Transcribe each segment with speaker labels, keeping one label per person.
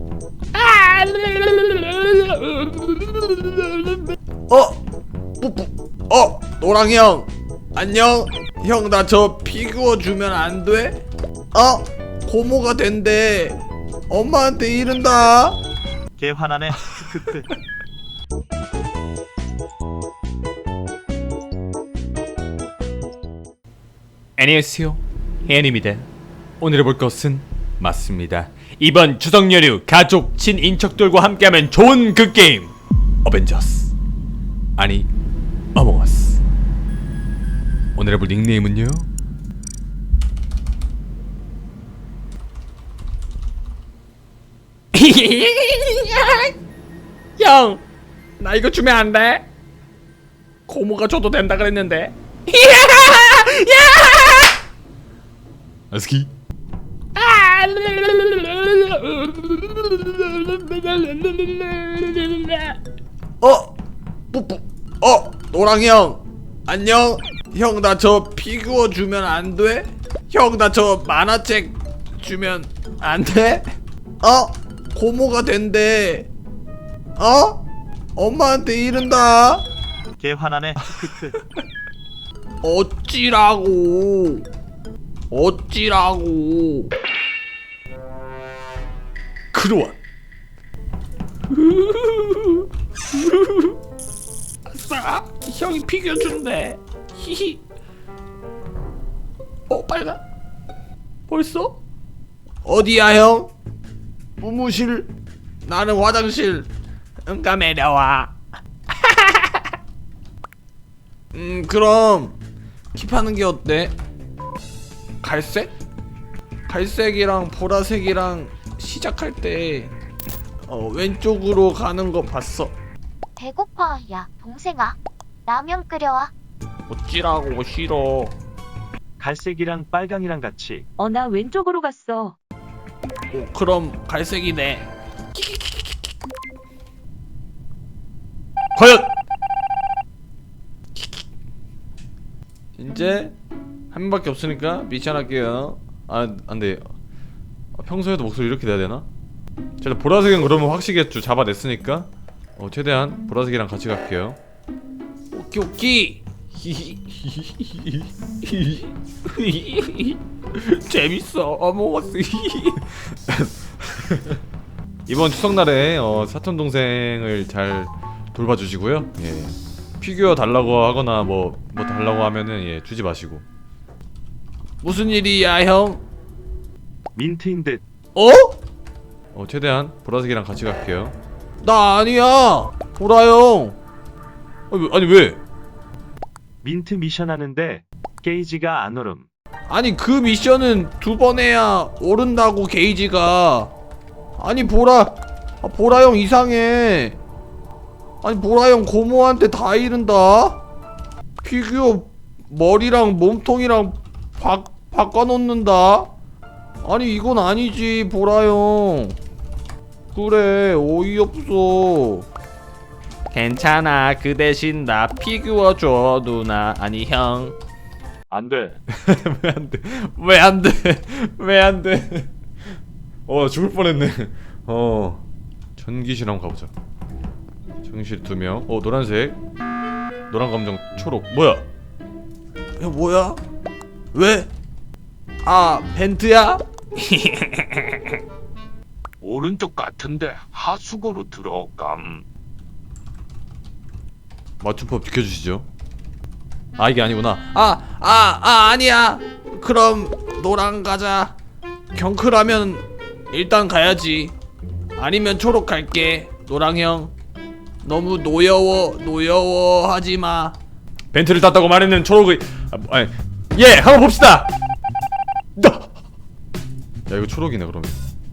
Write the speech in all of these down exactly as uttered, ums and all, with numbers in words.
Speaker 1: 어? 뿌뿌. 어? 노랑 형 안녕. 형 나 저 피규어 주면 안 돼? 어? 고모가 된대. 엄마한테 이른다.
Speaker 2: 개 화나네. 크크크.
Speaker 3: 안녕하세요, 혜연입니다. 오늘 해볼 것은 맞습니다. 이번 추석 연휴 가족 친인척들과 함께하면 좋은 그 게임 어벤져스, 아니 어몽어스. 오늘 해볼 닉네임은요, 형, 나 이거 주면 안 돼? 고모가 줘도 된다 그랬는데. 아스키.
Speaker 1: 어? 뿌뿌. 어? 노랑 형 안녕. 형 나 저 피규어 주면 안 돼? 형 나 저 만화책 주면 안 돼? 어? 고모가 된대. 어? 엄마한테 이른다.
Speaker 2: 개 화나네. 크크크.
Speaker 1: 어찌라고. 어찌라고.
Speaker 3: 크로아.
Speaker 1: 아싸, 형이 피규어 준대. 히히. 어, 빨간. 벌써? 어디야 형? 무무실. 나는 화장실. 응가 내려와. 음 그럼 킵하는 게 어때? 갈색? 갈색이랑 보라색이랑 시작할 때 어, 왼쪽으로 가는 거 봤어.
Speaker 4: 배고파. 야, 동생아. 라면 끓여와.
Speaker 1: 어찌라고 싫어.
Speaker 2: 갈색이랑 빨강이랑 같이.
Speaker 5: 어, 나 왼쪽으로 갔어.
Speaker 1: 어, 그럼 갈색이네.
Speaker 3: 과연
Speaker 1: 이제 한 명밖에 없으니까 미션 할게요. 아 안돼. 평소에도 목소리 이렇게 내야 되나? 제가 보라색은 그러면 확실히 잡아냈으니까 어, 최대한 보라색이랑 같이 갈게요. 오키 오키. 재밌어 어몽어스. 이번 추석날에 어, 사촌 동생을 잘 돌봐주시고요. 예. 피규어 달라고 하거나 뭐, 뭐 달라고 하면은 예, 주지 마시고. 무슨 일이야 형?
Speaker 2: 민트인 듯.
Speaker 1: 어?
Speaker 3: 어, 최대한 보라색이랑 같이 갈게요.
Speaker 1: 나 아니야. 보라 형.
Speaker 3: 아니, 왜- 아니 왜?
Speaker 2: 민트 미션 하는데 게이지가 안 오름.
Speaker 1: 아니 그 미션은 두 번 해야 오른다고 게이지가. 아니 보라. 아, 보라 형 이상해. 아니 보라 형 고모한테 다 이른다. 피규어 머리랑 몸통이랑 바, 바꿔놓는다. 아니 이건 아니지 보라 형. 그래 어이없어. 괜찮아. 그 대신 나 피규어 줘 누나. 아니 형.
Speaker 2: 안 돼.
Speaker 3: 왜 안 돼? 왜 안 돼? 왜 안 돼? 어, 죽을 뻔했네. 어, 전기실 한번 가보자. 전기실 두 명. 어, 노란색, 노란 감정, 초록. 뭐야?
Speaker 1: 야 뭐야? 왜? 아 벤트야?
Speaker 6: 오른쪽 같은데 하수구로 들어감.
Speaker 3: 맞춤법 지켜주시죠. 아, 이게 아니구나.
Speaker 1: 아, 아, 아, 아니야. 그럼 노랑 가자. 경크라면 일단 가야지. 아니면 초록 갈게. 노랑 형. 너무 노여워, 노여워 하지 마.
Speaker 3: 벤트를 땄다고 말했는 초록의. 아, 뭐, 아니, 예, 한번 봅시다. 야, 이거 초록이네 그러면.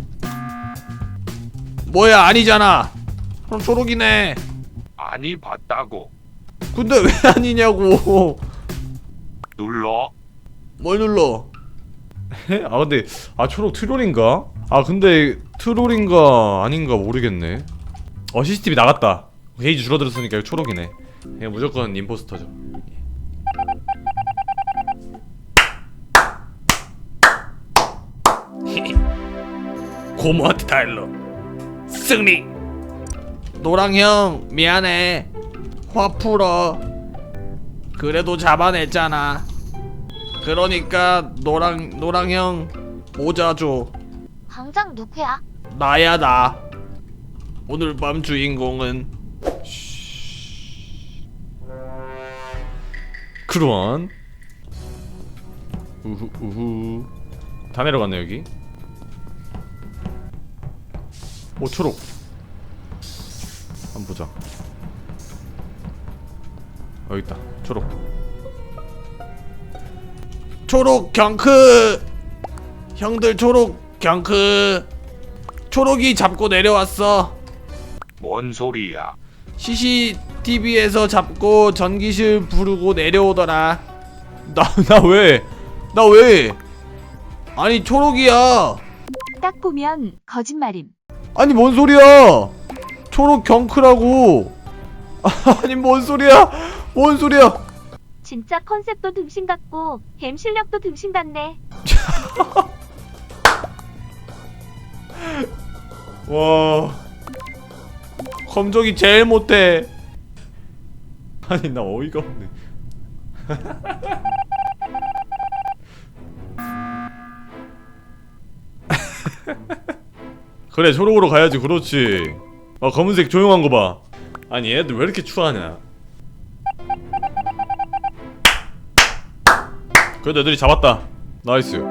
Speaker 1: 뭐야, 아니잖아. 그럼 초록이네.
Speaker 6: 아니 봤다고.
Speaker 1: 근데 왜 아니냐고.
Speaker 6: 눌러.
Speaker 1: 뭘 눌러?
Speaker 3: 아, 근데 아 초록 트롤인가? 아, 근데 트롤인가 아닌가 모르겠네. 어, 씨씨티비 나갔다. 게이지 줄어들었으니까 이거 초록이네. 그냥 무조건 임포스터죠.
Speaker 1: 고모한테 다 일러. 승리. 노랑 형 미안해. 화 풀어. 그래도 잡아냈잖아. 그러니까 노랑 노랑 형 모자 줘.
Speaker 4: 당장 누구야?
Speaker 1: 나야 나. 오늘 밤 주인공은
Speaker 3: 크루원. 우후 우후. 다 내려갔네 여기. 오 초록. 한번 보자. 여기 있다. 초록.
Speaker 1: 초록 경크. 형들 초록 경크. 초록이 잡고 내려왔어.
Speaker 6: 뭔 소리야?
Speaker 1: 씨씨티비에서 잡고 전기실 부르고 내려오더라.
Speaker 3: 나 나 왜?
Speaker 1: 나 왜? 아니 초록이야.
Speaker 5: 딱 보면 거짓말임.
Speaker 3: 아니 뭔 소리야?
Speaker 1: 초록 경크라고.
Speaker 3: 아니 뭔 소리야? 뭔 소리야?
Speaker 5: 진짜 컨셉도 등신 같고 겜 실력도 등신 같네.
Speaker 3: 와.
Speaker 1: 검정이 제일 못해.
Speaker 3: 아니 나 어이가 없네. 그래 초록으로 가야지. 그렇지. 아 검은색 조용한 거 봐. 아니 얘들 왜 이렇게 추하냐. 그래도 애들이 잡았다. 나이스.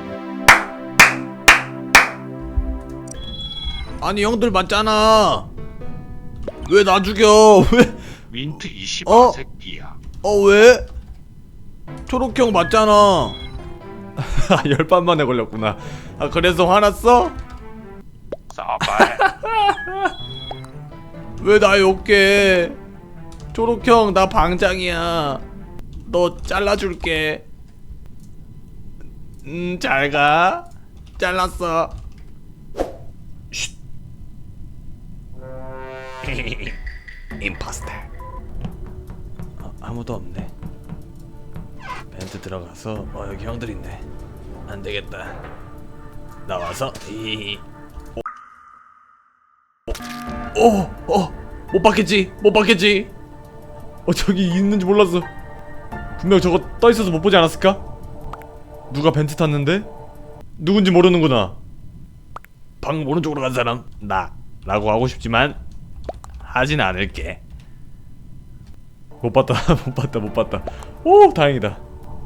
Speaker 1: 아니 형들 맞잖아. 왜 나 죽여? 왜?
Speaker 6: 민트 이 씨바
Speaker 1: 어?
Speaker 6: 새끼야.
Speaker 1: 어 왜? 초록형 맞잖아.
Speaker 3: 열반 만에 걸렸구나.
Speaker 1: 아 그래서 화났어?
Speaker 6: 싸발.
Speaker 1: 왜 나 욕해? 초록형 나 방장이야. 너 잘라줄게. 음 잘가. 잘랐어. 쉿. 임포스터. 어, 아무도 없네. 벤트 들어가서 어 여기 형들 있네. 안 되겠다. 나와서 이. 오, 어, 못 받겠지, 못 받겠지.
Speaker 3: 어 저기 있는지 몰랐어. 분명 저거 떠 있어서 못 보지 않았을까? 누가 벤트 탔는데? 누군지 모르는구나.
Speaker 1: 방금 오른쪽으로 간 사람 나 라고 하고 싶지만 하진 않을게.
Speaker 3: 못 봤다. 못 봤다. 못 봤다. 오 다행이다.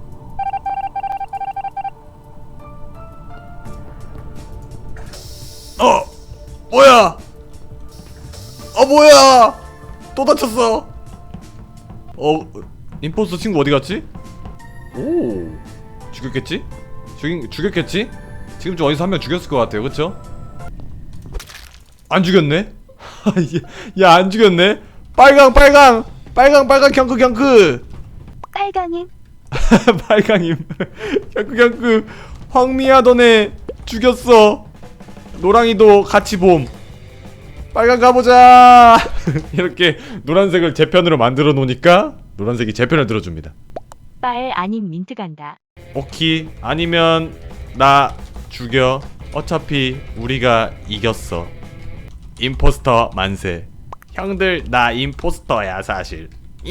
Speaker 1: 어 뭐야? 어 뭐야? 또 다쳤어.
Speaker 3: 어 임포스터 친구 어디 갔지? 오 죽였겠지? 죽인 죽였겠지? 지금쯤 어디서 한 명 죽였을 것 같아요. 그쵸? 안 죽였네? 야 안 죽였네?
Speaker 1: 빨강 빨강 빨강 빨강 경크 경크.
Speaker 5: 빨강임.
Speaker 3: 빨강임. 경크 경크. 황미야 너네 죽였어. 노랑이도 같이 봄. 빨강 가보자. 이렇게 노란색을 제 편으로 만들어 놓으니까 노란색이 제 편을 들어줍니다.
Speaker 5: 빨 아님 민트 간다.
Speaker 3: 오키 아니면 나 죽여. 어차피 우리가 이겼어. 임포스터 만세.
Speaker 1: 형들 나 임포스터야 사실.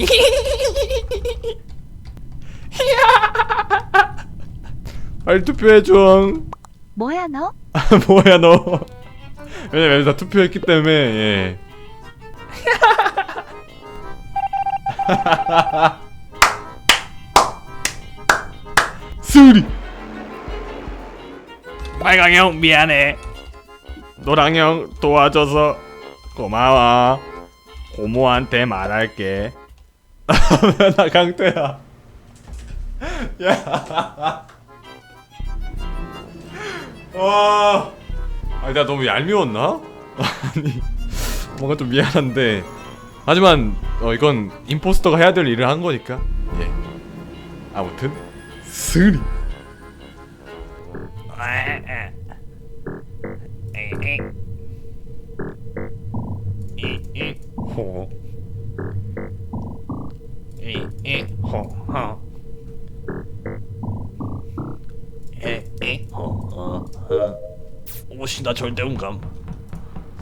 Speaker 3: 빨리 투표해줘.
Speaker 5: 뭐야 너?
Speaker 3: 뭐야 너. 왜냐면 다 투표했기 때문에. 예. 수리.
Speaker 1: 빨강 형 미안해. 노랑 형 도와줘서 고마워. 고모한테 말할게.
Speaker 3: 나 강태야. 야. 와. 아니 나 너무 얄미웠나? 아니 뭔가 좀 미안한데 하지만 어 이건 임포스터가 해야 될 일을 한 거니까. 예. 아무튼 스리. 호.
Speaker 1: 호호. 에에 호호. 오씨 나 절대 음감.